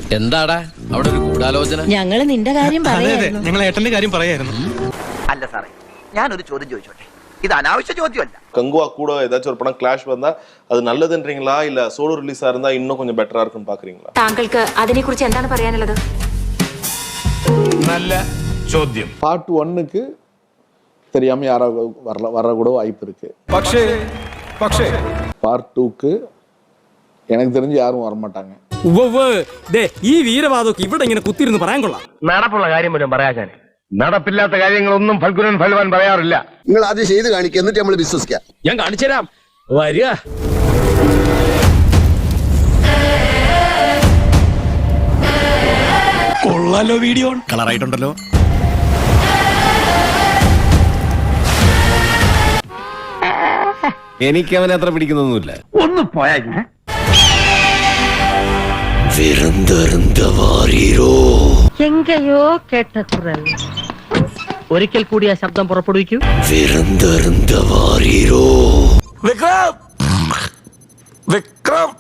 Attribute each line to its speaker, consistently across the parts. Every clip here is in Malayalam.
Speaker 1: എന്താടാ അവിടെ ഒരു ഗൂഢാലോചന?
Speaker 2: ഞങ്ങള് നിന്റെ കാര്യം പറയായിരുന്നു.
Speaker 3: ഞങ്ങൾ ഏട്ടന്റെ കാര്യം പറയായിരുന്നു.
Speaker 4: അല്ല സാറേ, ഞാനൊരു ചോദ്യം ചോദിച്ചോട്ടെ, ഇത് അനാവശ്യ ചോദ്യമല്ല.
Speaker 5: கங்குவா கூட ஏதாச்சும் ஒரு படம் கிளாஷ் வந்தா அது நல்லதுன்றீங்களா இல்ல சோலோ ரிலீஸா இருந்தா இன்னும் கொஞ்சம் பெட்டரா இருக்குன்னு பாக்குறீங்களா?
Speaker 6: താങ്കൾക്ക് അതിനെക്കുറിച്ച് എന്താണ് പറയാനുള്ളത്?
Speaker 7: நல்ல ചോദ്യം.
Speaker 8: പാർട്ട് 1க்கு தெரியாம யாரோ வர கூட வாய்ப்பு இருக்கு.
Speaker 7: പക്ഷേ
Speaker 8: പാർട്ട് 2க்கு எனக்கு தெரிஞ்சு யாரும் வர மாட்டாங்க.
Speaker 3: ഈ വീരവാദമൊക്കെ ഇവിടെ ഇങ്ങനെ കുത്തിരുന്ന് പറയാൻ കൊള്ളാം.
Speaker 9: നടപ്പുള്ള കാര്യം പോലും പറയാൻ, നടപ്പില്ലാത്ത കാര്യങ്ങളൊന്നും ഫൽഗുനൻ ഫൽവാൻ പറയാറില്ല.
Speaker 10: നിങ്ങൾ ആദ്യം ചെയ്ത് കാണിക്കുക, എന്നിട്ട് നമ്മൾ വിശ്വസിക്കാം.
Speaker 1: ഞാൻ കാണിച്ചുതരാം, വരിക.
Speaker 3: കൊള്ളാലോ, വീഡിയോ കളറായിട്ടുണ്ടല്ലോ.
Speaker 1: എനിക്ക് അവനെ അത്ര പിടിക്കുന്നൊന്നുമില്ല.
Speaker 9: ഒന്ന് പോയാ
Speaker 2: എങ്കയോ കേട്ട കുറൽ.
Speaker 4: ഒരിക്കൽ കൂടി ആ ശബ്ദം പുറപ്പെടുവിക്കൂ.
Speaker 7: വിക്രം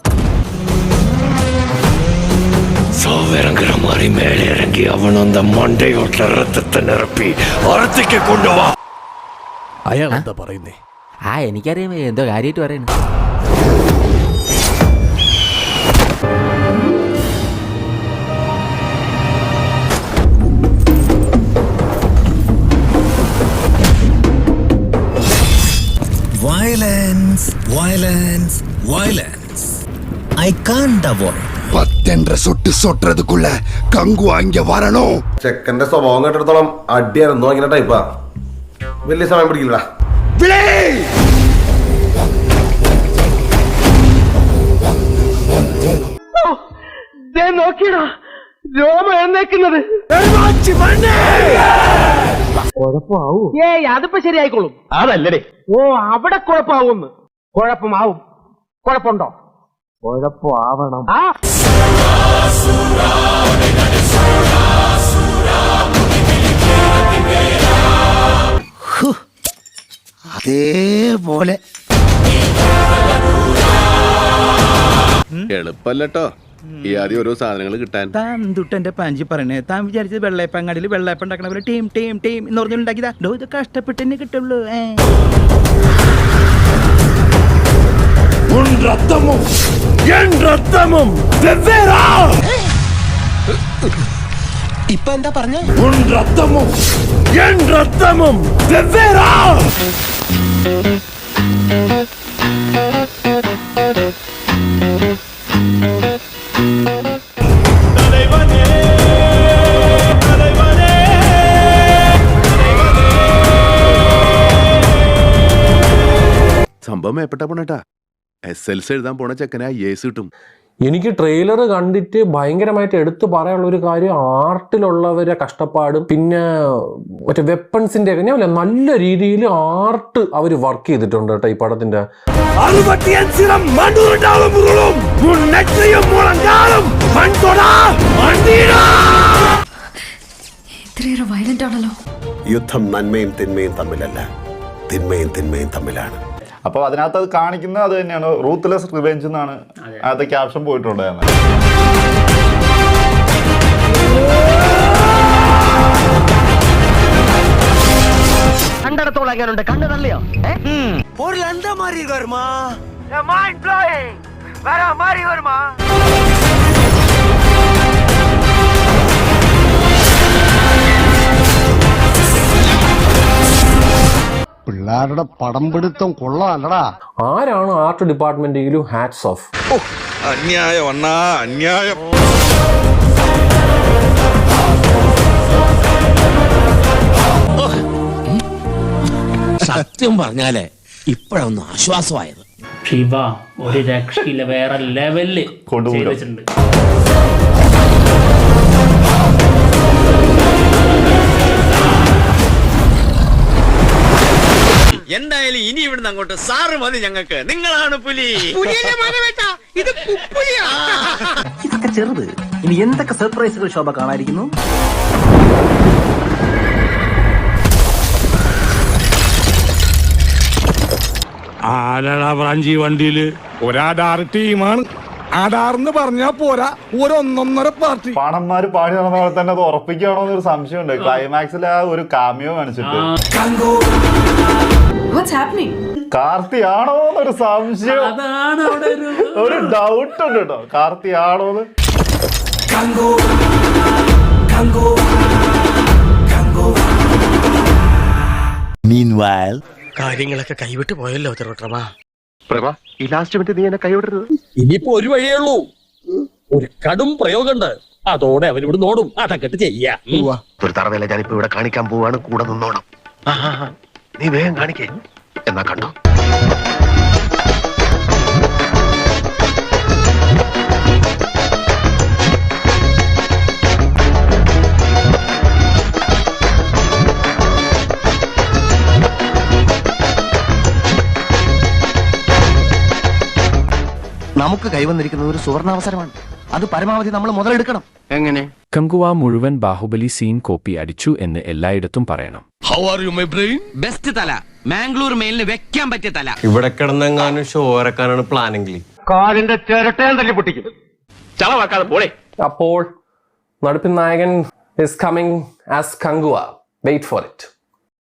Speaker 1: സൗവരങ്കര മാറി മേലെ ഇറങ്ങി അവനൊന്ന മണ്ടയോട്ട രക്തത്തെ നിറപ്പി അറത്തേക്ക് കൊണ്ടുപോവാ.
Speaker 3: അയാൾ എന്താ പറയുന്നേ?
Speaker 4: എനിക്കറിയാം എന്തോ കാര്യമായിട്ട് പറയുന്നു.
Speaker 3: Violence. I can't avoid.
Speaker 10: 10 சொட்டு சொட்டுறதுக்குள்ள கங்குவா இங்க வரணும்.
Speaker 5: ചെക്കന്റെ സ്വഭാവം കേട്ടിടത്തോളം അടിയായിരുന്നു ഇങ്ങനെ ടൈപ്പാ. വലിയ സമയം പിടിക്കില്ല.
Speaker 9: നോക്കിയടാ രോമ എന്നേക്കുന്നത്. അതിപ്പോ ശരിയായിക്കോളും. അതല്ലേ അവിടെ കുഴപ്പമാവുമെന്ന്. കുഴപ്പമാവും. കുഴപ്പമുണ്ടോ? കുഴപ്പമാവണം.
Speaker 10: അതേപോലെ
Speaker 1: എളുപ്പല്ലോ ഈ ആദ്യം ഓരോ സാധനങ്ങൾ കിട്ടാൻ.
Speaker 3: താൻ തൊട്ടെന്റെ പാഞ്ചി പറയണേ. താൻ വിചാരിച്ചത് വെള്ളയപ്പങ്ങാടിയിൽ വെള്ളയപ്പം ഉണ്ടാക്കണ പോലെ ടീം ടീം ടീം എന്ന് പറഞ്ഞുണ്ടാക്കിയതാ. ഇത് കഷ്ടപ്പെട്ട് തന്നെ കിട്ടുള്ളൂ.
Speaker 4: ഇപ്പൊ എന്താ പറഞ്ഞ?
Speaker 1: സംഭവം എപ്പെട്ട പോണേട്ടാ. SLC എഴുതാൻ പോണ ചെക്കനാ IAS കിട്ടും.
Speaker 11: എനിക്ക് ട്രെയിലർ കണ്ടിട്ട് ഭയങ്കരമായിട്ട് എടുത്തു പറയാനുള്ള ഒരു കാര്യം ആർട്ടിലുള്ളവരെ കഷ്ടപ്പാടും പിന്നെ മറ്റേ വെപ്പൺസിന്റെ ഒക്കെ ഞാൻ നല്ല രീതിയിൽ ആർട്ട് അവർ വർക്ക് ചെയ്തിട്ടുണ്ട് കേട്ടോ ഈ പടത്തിന്റെ.
Speaker 6: ഇത്രയേറെ വയലന്റ് ആണല്ലോ.
Speaker 10: യുദ്ധം നന്മയും തിന്മയും തമ്മിലല്ല, തിന്മയും തിന്മയും തമ്മിലാണ്.
Speaker 7: അപ്പൊ അതിനകത്ത് അത് കാണിക്കുന്നത് അത് തന്നെയാണ്. റൂത്ത്ലെസ് റിവെഞ്ച് എന്നാണ് അത് ക്യാപ്ഷൻ പോയിട്ടുണ്ടായിരുന്നത്.
Speaker 4: കണ്ടിടത്തോളം എങ്ങനെയുണ്ട്? കണ്ണ് തള്ളിയോ?
Speaker 3: ഒരു ലണ്ട മാറി വരുമാ.
Speaker 10: പിള്ളേരുടെ പടം പിടുത്തം കൊള്ളാല്ലടാ.
Speaker 11: ആരാണ് ആർട്ട് ഡിപ്പാർട്ട്മെന്റെങ്കിലും ഹാറ്റ്സ് ഓഫ്.
Speaker 7: അന്യായം അണ്ണാ, അന്യായം.
Speaker 1: സത്യം പറഞ്ഞാലേ ഇപ്പോഴൊന്നും ആശ്വാസമായത്.
Speaker 4: ശിവ ഒരു രക്ഷയില്ല, വേറെ ലെവലില് ചെയ്തിട്ടുണ്ട്.
Speaker 3: എന്തായാലും ഇനി ഇവിടുന്ന് അങ്ങോട്ട് സാറ് മതി ഞങ്ങൾക്ക്. നിങ്ങളാണ് പുലി.
Speaker 4: ഇതൊക്കെ ചെറുത്. ഇനി എന്തൊക്കെ സർപ്രൈസുകൾ ശോഭ കാണാതിരിക്കുന്നു.
Speaker 7: ആരാടാ ബ്രാഞ്ചി വണ്ടിയില്? ഒരാടാറ് ടീമാണ്.
Speaker 9: അടാർന്ന് പറഞ്ഞാ പോരാ ഒരൊന്നൊന്നര പാർട്ടി.
Speaker 7: പാണന്മാര് പാടി നടന്ന പോലെ തന്നെ അത് ഉറപ്പിക്കുകയാണോ എന്നൊരു സംശയമുണ്ട്. ക്ലൈമാക്സിൽ ആ ഒരു കാമിയോ കാണിച്ചിട്ട് കാർത്തിയാണോ എന്നൊരു സംശയം, ഒരു ഡൗട്ട് ഉണ്ട് കേട്ടോ, കാർത്തിയാണോന്ന്.
Speaker 3: കാര്യങ്ങളൊക്കെ കൈവിട്ട് പോയല്ലോ തിരുവട്ടമാ.
Speaker 9: ഈ ലാസ്റ്റ് മിനിറ്റ് നീ എന്നെ കൈവിടരുത്.
Speaker 3: ഇനിയിപ്പോ ഒരു വഴിയേ ഉള്ളൂ, ഒരു കടും പ്രയോഗമുണ്ട്, അതോടെ അവരിവിടെ നോടും. അതൊക്കെ ചെയ്യാം.
Speaker 9: ഒരു തറവേല ഞാനിപ്പോ ഇവിടെ കാണിക്കാൻ പോവാണ്, കൂടെ നിന്നോണം. നീ വേഗം കാണിക്കേ, എന്നാ കണ്ടോ.
Speaker 4: നമുക്ക് കൈവന്നിരിക്കുന്നത് ഒരു സുവർണാവസരമാണ്. അത് പരമാവധി നമ്മൾ മുതലെടുക്കണം.
Speaker 3: എങ്ങനെ?
Speaker 12: കങ്കുവ മുഴുവൻ ബാഹുബലി സീൻ കോപ്പി അടിച്ചു എന്ന് എല്ലായിടത്തും പറയണം.
Speaker 3: ബെസ്റ്റ് തല, മാംഗ്ലൂർ മെയിലിന് വെക്കാൻ പറ്റിയ തല.
Speaker 11: ഇവിടെ കിടന്നെങ്ങാനും ഷോ ഇറക്കാനാണ് പ്ലാനെങ്കിൽ
Speaker 9: കാലിന്റെ ചിരട്ടയും തല്ലി പൊട്ടിക്കും. ചളവാക്കാതെ പോളെ.
Speaker 11: അപ്പോൾ നടുപ്പിൻ നായകൻ is coming as Kangua. Wait for it.